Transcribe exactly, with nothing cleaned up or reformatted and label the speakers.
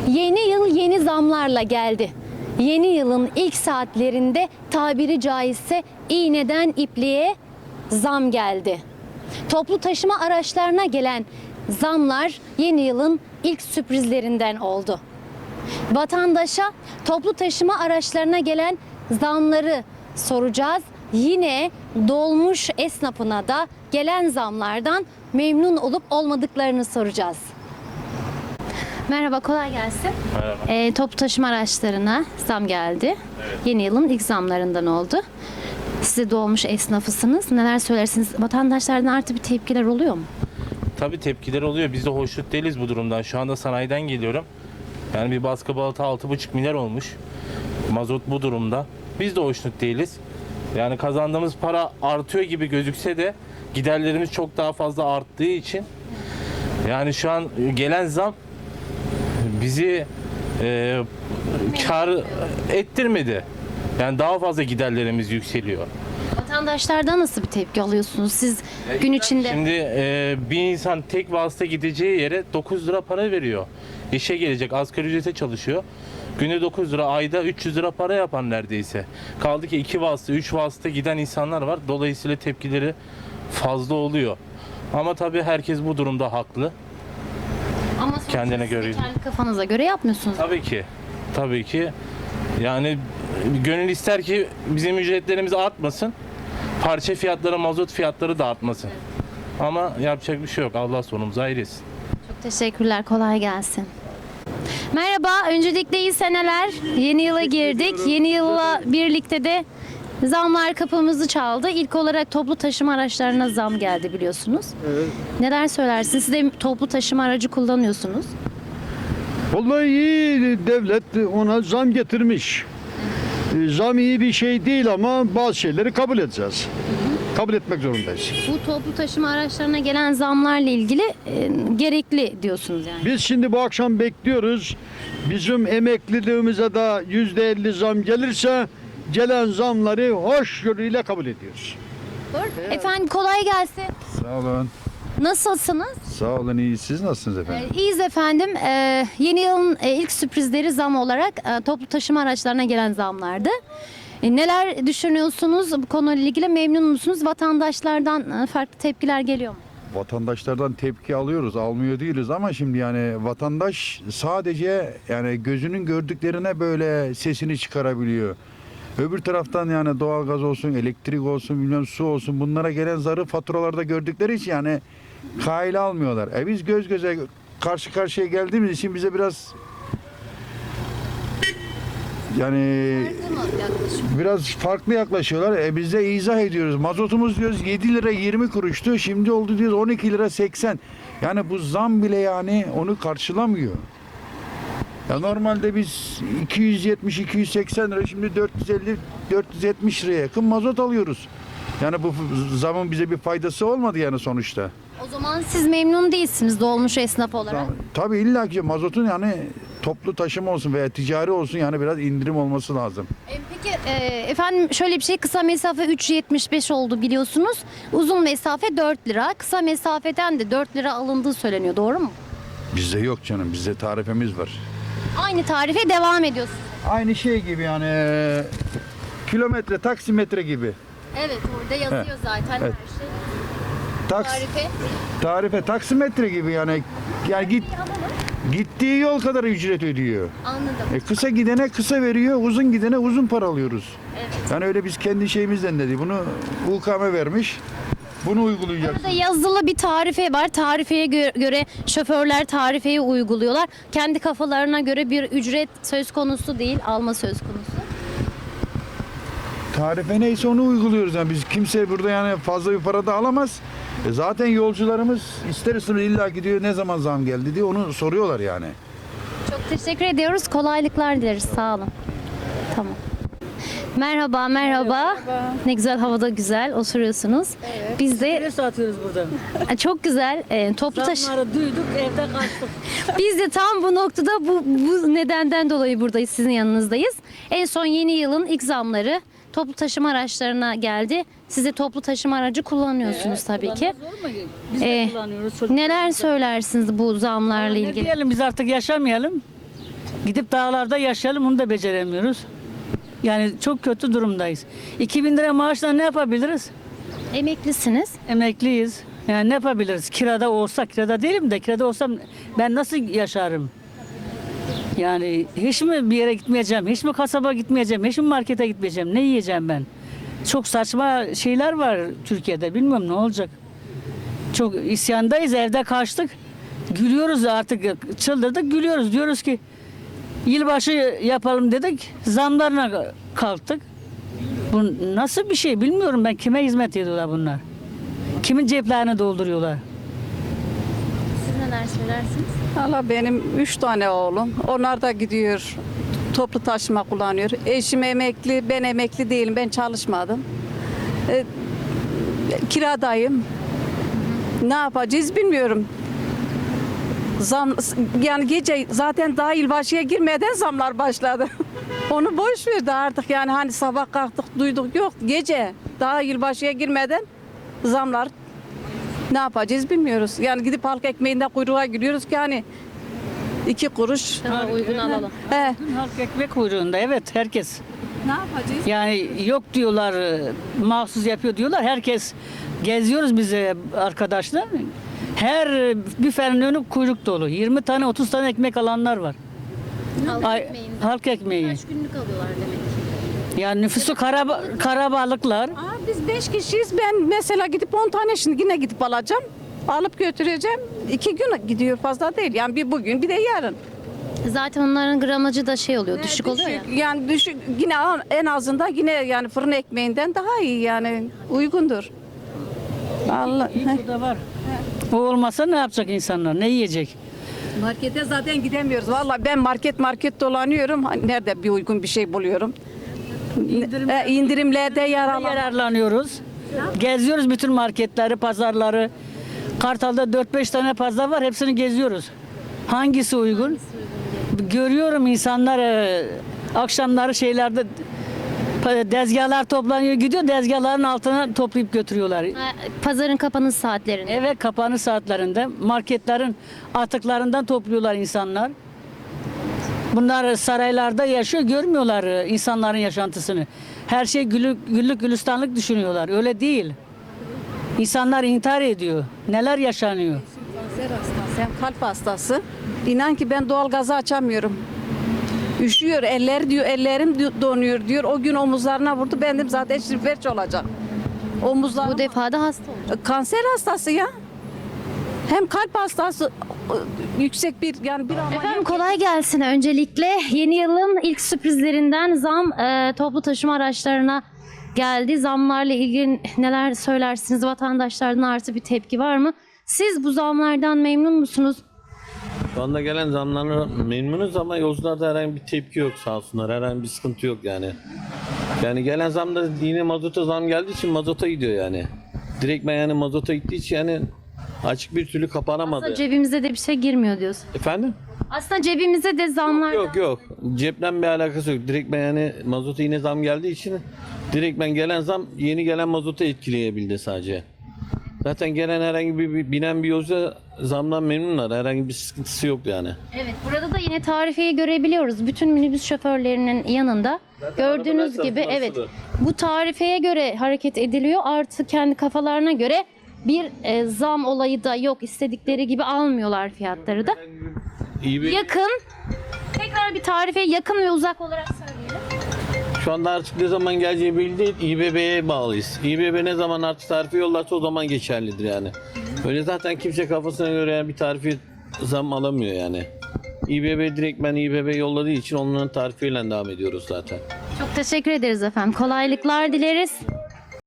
Speaker 1: Yeni yıl yeni zamlarla geldi. Yeni yılın ilk saatlerinde tabiri caizse iğneden ipliğe zam geldi. Toplu taşıma araçlarına gelen zamlar yeni yılın ilk sürprizlerinden oldu. Vatandaşa toplu taşıma araçlarına gelen zamları soracağız. Yine dolmuş esnafına da gelen zamlardan memnun olup olmadıklarını soracağız. Merhaba, kolay gelsin.
Speaker 2: Merhaba.
Speaker 1: Ee, toplu taşıma araçlarına zam geldi.
Speaker 2: Evet.
Speaker 1: Yeni yılın ilk zamlarından oldu. Siz de dolmuş esnafısınız. Neler söylersiniz? Vatandaşlardan artı bir tepkiler oluyor mu?
Speaker 2: Tabii tepkiler oluyor. Biz de hoşnut değiliz bu durumdan. Şu anda sanayiden geliyorum. Yani bir baskı balata altı buçuk milyar olmuş. Mazot bu durumda. Biz de hoşnut değiliz. Yani kazandığımız para artıyor gibi gözükse de giderlerimiz çok daha fazla arttığı için yani şu an gelen zam bizi e, kar ettirmedi. Yani daha fazla giderlerimiz yükseliyor.
Speaker 1: Vatandaşlardan nasıl bir tepki alıyorsunuz? Siz gün içinde...
Speaker 2: Şimdi e, bir insan tek vasıta gideceği yere dokuz lira para veriyor. İşe gelecek, asgari ücrete çalışıyor. Günde dokuz lira, ayda üç yüz lira para yapan neredeyse. Kaldı ki iki vasıta, üç vasıta giden insanlar var. Dolayısıyla tepkileri fazla oluyor. Ama tabii herkes bu durumda haklı.
Speaker 1: Ama sonuçta
Speaker 2: kendine
Speaker 1: siz de
Speaker 2: göre.
Speaker 1: kendi kafanıza göre yapmıyorsunuz.
Speaker 2: Tabii ki. Tabii ki. Yani gönül ister ki bizim ücretlerimiz artmasın. Parça fiyatları, mazot fiyatları da artmasın. Ama yapacak bir şey yok. Allah sonumuzu hayır etsin.
Speaker 1: Çok teşekkürler. Kolay gelsin. Merhaba. Öncelikle iyi seneler. Yeni yıla girdik. Yeni yılla birlikte de zamlar kapımızı çaldı. İlk olarak toplu taşıma araçlarına zam geldi biliyorsunuz.
Speaker 3: Evet.
Speaker 1: Neler söylersiniz? Siz de toplu taşıma aracı kullanıyorsunuz.
Speaker 3: Vallahi iyi, devlet ona zam getirmiş. E, Zam iyi bir şey değil ama bazı şeyleri kabul edeceğiz. Kabul etmek zorundayız.
Speaker 1: Bu toplu taşıma araçlarına gelen zamlarla ilgili e, gerekli diyorsunuz yani.
Speaker 3: Biz şimdi bu akşam bekliyoruz. Bizim emekliliğimize de yüzde elli zam gelirse gelen zamları hoşgörüyle kabul ediyoruz.
Speaker 1: Efendim kolay gelsin.
Speaker 4: Sağ olun.
Speaker 1: Nasılsınız?
Speaker 4: Sağ olun, iyi. Siz nasılsınız efendim?
Speaker 1: Ee, İyiyiz efendim. Ee, yeni yılın e, ilk sürprizleri zam olarak e, toplu taşıma araçlarına gelen zamlardı. E, neler düşünüyorsunuz? Bu konuyla ilgili memnun musunuz? Vatandaşlardan e, farklı tepkiler geliyor mu?
Speaker 4: Vatandaşlardan tepki alıyoruz, almıyor değiliz ama şimdi yani vatandaş sadece yani gözünün gördüklerine böyle sesini çıkarabiliyor. Öbür taraftan yani doğalgaz olsun, elektrik olsun, bilmem su olsun bunlara gelen zarı faturalarda gördükleri için yani kayla almıyorlar. E biz göz göze karşı karşıya geldiğimiz için bize biraz yani biraz farklı yaklaşıyorlar. E biz de izah ediyoruz. Mazotumuz diyoruz yedi lira yirmi kuruştu. Şimdi oldu diyoruz on iki lira seksen. Yani bu zam bile yani onu karşılamıyor. Ya normalde biz iki yüz yetmiş iki yüz seksen lira şimdi dört yüz elli dört yüz yetmiş liraya yakın mazot alıyoruz. Yani bu zamın bize bir faydası olmadı yani sonuçta.
Speaker 1: O zaman siz memnun değilsiniz dolmuş esnaf olarak.
Speaker 4: Tabii illa ki mazotun yani toplu taşıma olsun veya ticari olsun yani biraz indirim olması lazım.
Speaker 1: E, peki e, efendim şöyle bir şey, kısa mesafe üç yetmiş beş oldu biliyorsunuz. Uzun mesafe dört lira. Kısa mesafeden de dört lira alındığı söyleniyor. Doğru mu?
Speaker 4: Bizde yok canım, bizde tarifemiz var.
Speaker 1: Aynı tarife devam ediyorsunuz.
Speaker 4: Aynı şey gibi yani e, kilometre, taksimetre gibi.
Speaker 1: Evet, orada yazıyor zaten
Speaker 4: Evet.
Speaker 1: her şey.
Speaker 4: Taks,
Speaker 1: Tarife.
Speaker 4: tarife, taksimetre gibi yani yani git gittiği yol kadar ücret ödüyor.
Speaker 1: Anladım.
Speaker 4: E, kısa gidene kısa veriyor, uzun gidene uzun para alıyoruz.
Speaker 1: Evet.
Speaker 4: Yani öyle biz kendi şeyimizden dedi. Bunu U K M vermiş. Bunu uygulayacağız.
Speaker 1: Burada yazılı bir tarife var. Tarifeye gö- göre şoförler tarifeyi uyguluyorlar. Kendi kafalarına göre bir ücret söz konusu değil, alma söz konusu.
Speaker 4: Tarife neyse onu uyguluyoruz. Yani biz kimse burada yani fazla bir para da alamaz. E zaten yolcularımız ister istemez illa gidiyor ne zaman zam geldi diye onu soruyorlar yani.
Speaker 1: Çok teşekkür ediyoruz. Kolaylıklar dileriz. Sağ olun. Tamam. Merhaba, merhaba. Ne güzel, havada güzel oturuyorsunuz. Biz de
Speaker 5: Ne satıyoruz burada?
Speaker 1: çok güzel e, toplu taşı.
Speaker 5: Zamları duyduk, evde kaçtık.
Speaker 1: Biz de tam bu noktada bu, bu nedenden dolayı buradayız, sizin yanınızdayız. En son yeni yılın ilk zamları toplu taşıma araçlarına geldi. Siz de toplu taşıma aracı kullanıyorsunuz tabii ki.
Speaker 5: Kullanmaz olur mu? Biz de
Speaker 1: Ee,
Speaker 5: kullanıyoruz. çocuklar
Speaker 1: Neler
Speaker 5: da.
Speaker 1: söylersiniz bu zamlarla
Speaker 5: Ne
Speaker 1: ilgili?
Speaker 5: diyelim, biz artık yaşamayalım. Gidip dağlarda yaşayalım, onu da beceremiyoruz. Yani çok kötü durumdayız. iki bin lira maaşla ne yapabiliriz?
Speaker 1: Emeklisiniz.
Speaker 5: Emekliyiz. Yani ne yapabiliriz? Kirada olsa, kirada değilim de kirada olsam ben nasıl yaşarım? Yani hiç mi bir yere gitmeyeceğim, hiç mi kasaba gitmeyeceğim, hiç mi markete gitmeyeceğim, ne yiyeceğim ben? Çok saçma şeyler var Türkiye'de, bilmiyorum ne olacak. Çok isyandayız, evde kaçtık. Gülüyoruz artık, çıldırdık, gülüyoruz. Diyoruz ki yılbaşı yapalım dedik, zamlarına kalktık. Bu nasıl bir şey bilmiyorum ben, kime hizmet ediyorlar bunlar? Kimin ceplerini dolduruyorlar?
Speaker 1: Siz neler söylersiniz?
Speaker 6: Valla benim üç tane oğlum. Onlar da gidiyor. Toplu taşıma kullanıyor. Eşim emekli, ben emekli değilim. Ben çalışmadım. E, kiradayım. Ne yapacağız bilmiyorum. Zam, yani gece zaten daha yılbaşıya girmeden zamlar başladı. Onu boş verdi artık yani hani sabah kalktık duyduk yok gece daha yılbaşıya girmeden zamlar ne yapacağız bilmiyoruz. Yani gidip halk ekmeğinde kuyruğa giriyoruz ki hani iki kuruş.
Speaker 1: Daha uygun alalım.
Speaker 6: He,
Speaker 5: Dün halk ekmek kuyruğunda, evet herkes.
Speaker 6: ne yapacağız?
Speaker 5: Yani yok diyorlar, e, mahsus yapıyor diyorlar. Herkes geziyoruz bize arkadaşlar. Her e, büfenin önü kuyruk dolu. yirmi tane otuz tane ekmek alanlar var.
Speaker 1: Halk
Speaker 5: Ay-
Speaker 1: ekmeğinde.
Speaker 5: halk ekmeği.
Speaker 1: Kaç günlük alıyorlar demek ki.
Speaker 5: Yani nüfusu karaba, karabalıklar.
Speaker 6: Aa, biz beş kişiyiz. Ben mesela gidip on tane şimdi yine gidip alacağım. Alıp götüreceğim. İki gün gidiyor fazla değil. Yani bir bugün bir de yarın.
Speaker 1: Zaten onların gramajı da şey oluyor, düşük oluyor ya.
Speaker 6: Yani düşük yine en azından yine yani fırın ekmeğinden daha iyi yani uygundur. Allah.
Speaker 5: İyi da var. O olmasa ne yapacak insanlar? Ne yiyecek?
Speaker 6: Markete zaten gidemiyoruz. Vallahi ben market market dolanıyorum. Hani nerede bir uygun bir şey buluyorum.
Speaker 5: İndirim-
Speaker 6: E, indirimlerde yararlan.
Speaker 5: Yararlanıyoruz. Geziyoruz bütün marketleri, pazarları. Kartal'da dört beş tane pazar var. Hepsini geziyoruz. Hangisi uygun? Görüyorum insanlar e, akşamları şeylerde e, dezgahlar toplanıyor gidiyor. Dezgahların altına toplayıp götürüyorlar.
Speaker 1: Ha, Pazarın kapanış saatlerinde.
Speaker 5: Evet, kapanış saatlerinde marketlerin atıklarından topluyorlar insanlar. Bunlar saraylarda yaşıyor, görmüyorlar e, insanların yaşantısını. Her şey güllük, güllük gülistanlık düşünüyorlar. Öyle değil. İnsanlar intihar ediyor. Neler yaşanıyor?
Speaker 6: Kanser hastası, hem kalp hastası. İnan ki ben doğal gazı açamıyorum. Üşüyor, eller diyor, ellerim diyor- donuyor diyor. O gün omuzlarına vurdu. Benim zaten şirfelç olacak. Omuzlarım
Speaker 1: Bu defa da hasta oldu.
Speaker 6: kanser hastası ya. Hem kalp hastası yüksek bir yani bir ameliyat.
Speaker 1: Efendim kolay gelsin öncelikle. Yeni yılın ilk sürprizlerinden zam e, toplu taşıma araçlarına geldi. Zamlarla ilgili neler söylersiniz? Vatandaşlardan artı bir tepki var mı? Siz bu zamlardan memnun musunuz?
Speaker 7: Şu anda gelen zamlarla memnunuz ama yolcularda herhangi bir tepki yok sağ olsunlar. Herhangi bir sıkıntı yok yani. Yani gelen zamda yine mazota zam geldiği için mazota gidiyor yani. Direkt ben yani mazota gittiği için yani açık bir türlü kapanamadı.
Speaker 1: Aslında cebimize de bir şey girmiyor diyorsun.
Speaker 7: Efendim?
Speaker 1: Aslında cebimize de zamlardan...
Speaker 7: Yok yok. Cepten bir alakası yok. Direkt ben yani mazota yine zam geldiği için direkt ben gelen zam yeni gelen mazota etkileyebildi sadece. Zaten gelen herhangi bir, bir binen bir yolcu zamdan memnunlar. Herhangi bir sıkıntısı yok yani.
Speaker 1: Evet, burada da yine tarifeyi görebiliyoruz. Bütün minibüs şoförlerinin yanında. Gördüğünüz
Speaker 7: arabalar
Speaker 1: gibi evet.
Speaker 7: asılı.
Speaker 1: Bu tarifeye göre hareket ediliyor. Artı kendi kafalarına göre bir e, zam olayı da yok. İstedikleri gibi almıyorlar fiyatları da.
Speaker 7: İyi bir,
Speaker 1: Yakın. Tekrar bir tarifeye yakın ve uzak olarak söyleyelim.
Speaker 7: şu anda artık ne zaman geleceği belli değil. İBB'ye bağlıyız. İBB ne zaman artık tarifi yollarsa o zaman geçerlidir yani. Öyle zaten kimse kafasına göre yani bir tarifi zam alamıyor yani. İBB direkt ben İBB yolladığı için onların tarifiyle devam ediyoruz zaten.
Speaker 1: Çok teşekkür ederiz efendim. Kolaylıklar dileriz.